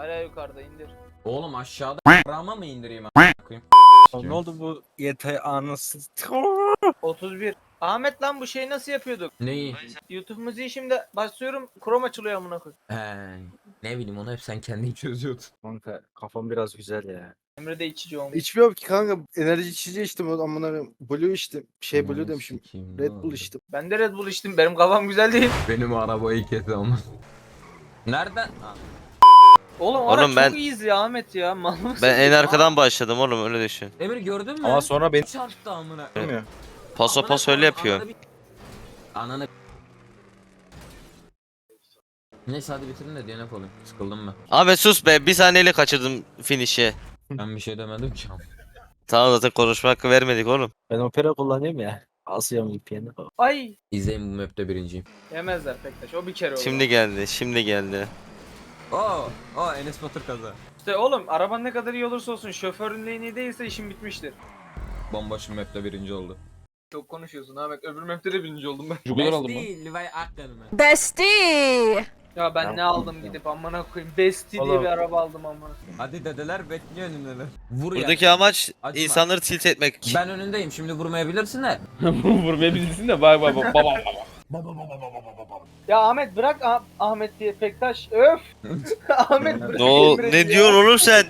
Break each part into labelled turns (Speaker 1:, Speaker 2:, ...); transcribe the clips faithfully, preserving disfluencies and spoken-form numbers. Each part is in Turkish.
Speaker 1: Hala yukarıda indir.
Speaker 2: Oğlum aşağıda rama mı indireyim a**ayım?
Speaker 3: Ne oldu bu yetay anası?
Speaker 1: otuz bir. Ahmet lan bu şeyi nasıl yapıyorduk?
Speaker 2: Neyi?
Speaker 1: YouTube müziği şimdi başlıyorum. Chrome açılıyor amına koy.
Speaker 2: He, ne bileyim onu hep sen kendin çözüyordun.
Speaker 3: Kanka kafam biraz güzel ya.
Speaker 1: Emre de içici olmuş.
Speaker 4: İçmiyorum ki kanka. Enerji içeceği içtim. O amına Blue içtim. Şey Blue
Speaker 2: Aman
Speaker 4: demişim.
Speaker 2: sikeyim, ne
Speaker 4: Red Bull
Speaker 2: oldu?
Speaker 4: içtim.
Speaker 1: Ben de Red Bull içtim. Benim kafam güzel değil.
Speaker 2: Benim arabayı kes ama. Nereden? Ha.
Speaker 1: Oğlum,
Speaker 5: Oğlum
Speaker 1: araç
Speaker 5: ben-
Speaker 1: çok iyiyiz ya Ahmet ya. Mal mısın?
Speaker 5: Ben en arkadan başladım oğlum, öyle düşün.
Speaker 2: Emir gördün mü?
Speaker 3: Ama sonra beni
Speaker 2: Çarptı amına.
Speaker 4: Bilmiyorum.
Speaker 5: Paso
Speaker 2: Amına
Speaker 5: paso öyle
Speaker 2: koyayım,
Speaker 5: yapıyor.
Speaker 2: ananı bir- Ananı. Neyse hadi bitirin de D N F olayım. Sıkıldım ben.
Speaker 5: Ahmet sus be, bir saniyeyle kaçırdım finish'i.
Speaker 2: Ben bir şey demedim ki.
Speaker 5: Tamam, zaten konuşma hakkı vermedik oğlum.
Speaker 3: ben opera kullanıyorum ya. Asıyorum V P N'i.
Speaker 1: Ay.
Speaker 2: İzleyin bu map'te birinciyim.
Speaker 1: Yemezler Pektaş. O bir kere olur.
Speaker 5: Şimdi geldi, şimdi geldi.
Speaker 2: Oo, o Enes Batur kaza.
Speaker 1: İşte oğlum araban ne kadar iyi olursa olsun şoförlüğün iyi değilse işin bitmiştir.
Speaker 2: Bomboş bir map'te birinci oldu.
Speaker 1: Çok konuşuyorsun Ahmet. Öbür map'te de birinci oldum ben.
Speaker 6: Jugular aldım ben.
Speaker 2: Besti, Levi Akdeniz.
Speaker 7: Bestie.
Speaker 1: Ya ben
Speaker 3: Ya,
Speaker 1: ne aldım gidip amına koyayım. Bestie diye
Speaker 3: Oğlum.
Speaker 1: bir araba aldım amına.
Speaker 2: Hadi dedeler bekliyor önündeler. Vur
Speaker 5: Buradaki
Speaker 2: ya.
Speaker 5: amaç
Speaker 2: Acıma.
Speaker 5: insanları tilt etmek.
Speaker 2: Ben önündeyim şimdi vurmayabilirsin de.
Speaker 6: Vurmaya bilirsin de bak bak bak baba.
Speaker 1: Ya Ahmet bırak Ah- Ahmet diye Pektaş. Öf. Ahmet bırak.
Speaker 5: Ne, o,
Speaker 1: Emre'yi
Speaker 5: ne
Speaker 1: ya.
Speaker 5: diyorsun oğlum sen?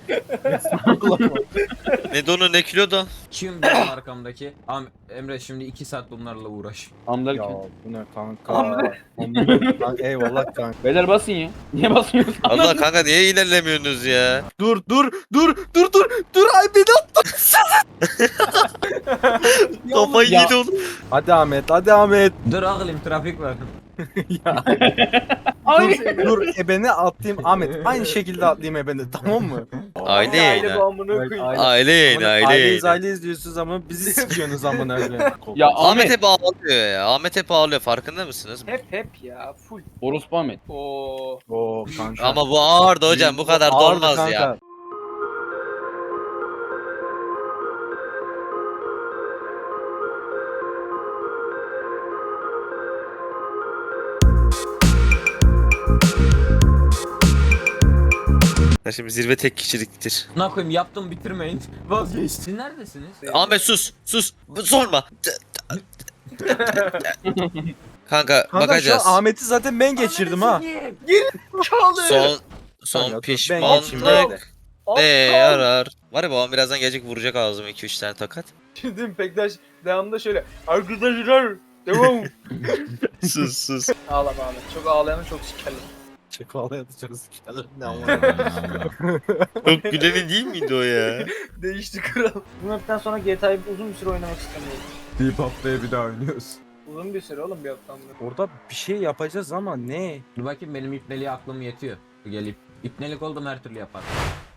Speaker 5: Ne donu ne kilo da?
Speaker 2: Kim benim arkamdaki? Am Emre şimdi iki saat bunlarla uğraş.
Speaker 6: Amlar
Speaker 3: Ya
Speaker 6: kim?
Speaker 3: bu ne kanka?
Speaker 1: Hamle.
Speaker 3: Hamle. Lan eyvallah kanka.
Speaker 6: Beyler basın ya. Niye basmıyorsun?
Speaker 5: Allah kanka, niye ilerlemiyorsunuz ya?
Speaker 4: Dur dur dur dur dur dur ay beni attın.
Speaker 5: Kafayı
Speaker 3: Ya.
Speaker 5: yedi oğlum.
Speaker 3: Hadi Ahmet, hadi Ahmet.
Speaker 2: Dur ağlayayım trafik var.
Speaker 3: Ya.
Speaker 1: Ay.
Speaker 3: dur, dur ebeni atlayayım Ahmet. Aynı şekilde atlayayım ebeni, tamam mı?
Speaker 5: Aile
Speaker 1: Aile
Speaker 5: yayını.
Speaker 1: bu amına koyayım.
Speaker 3: Aile-
Speaker 5: Aile yayını, aile
Speaker 3: Aileyiz
Speaker 5: yayını.
Speaker 3: aileyiz diyorsunuz ama bizi sikiyorsunuz amına koyayım.
Speaker 6: Ya
Speaker 5: Ahmet
Speaker 6: Ahmet.
Speaker 5: hep ağlıyor ya. Ahmet hep ağlıyor, farkında mısınız?
Speaker 1: Hep hep ya full.
Speaker 6: Orospu Ahmet.
Speaker 1: Oo.
Speaker 3: Oo kanka.
Speaker 5: Ama bu ağırdı hocam, bu kadar da
Speaker 3: Ağırdı
Speaker 5: olmaz
Speaker 3: kanka.
Speaker 5: ya. Ya şimdi zirve tek kişiliktir.
Speaker 2: Ne koyayım yaptım bitirmeyin. Vazgeçtin. Neredesiniz?
Speaker 5: Ahmet sus, sus, sorma. Kanka,
Speaker 3: Kanka
Speaker 5: bakacağız.
Speaker 3: şu an Ahmet'i zaten ben geçirdim ha.
Speaker 1: Çaldı.
Speaker 5: Son son
Speaker 3: Kanka, ben
Speaker 5: pişmanlık
Speaker 3: geçeyim bekle.
Speaker 5: ne yarar? Var ya, babam birazdan gelecek, vuracak ağzıma iki üç tane tokat.
Speaker 1: Şimdi Pektaş devamında şöyle. Arkadaşlar. Devam.
Speaker 5: Sus sus.
Speaker 1: Ağlama ağlama. Çok ağlayanı çok sikerler.
Speaker 3: Çok ağlayadı çok sikerler. Ne ama.
Speaker 5: Çok güleni değil miydi o ya?
Speaker 1: Değişti kral. Bu mapten sonra G T A'yı uzun bir süre oynamak istemiyorum.
Speaker 2: Deyip haftaya bir daha oynuyoruz.
Speaker 1: Uzun bir süre oğlum bir haftan beri.
Speaker 3: Orada bir şey yapacağız ama ne?
Speaker 2: Dur bakayım benim ipneliğe aklım yetiyor. Gelip ipnelik oldum her türlü yapar.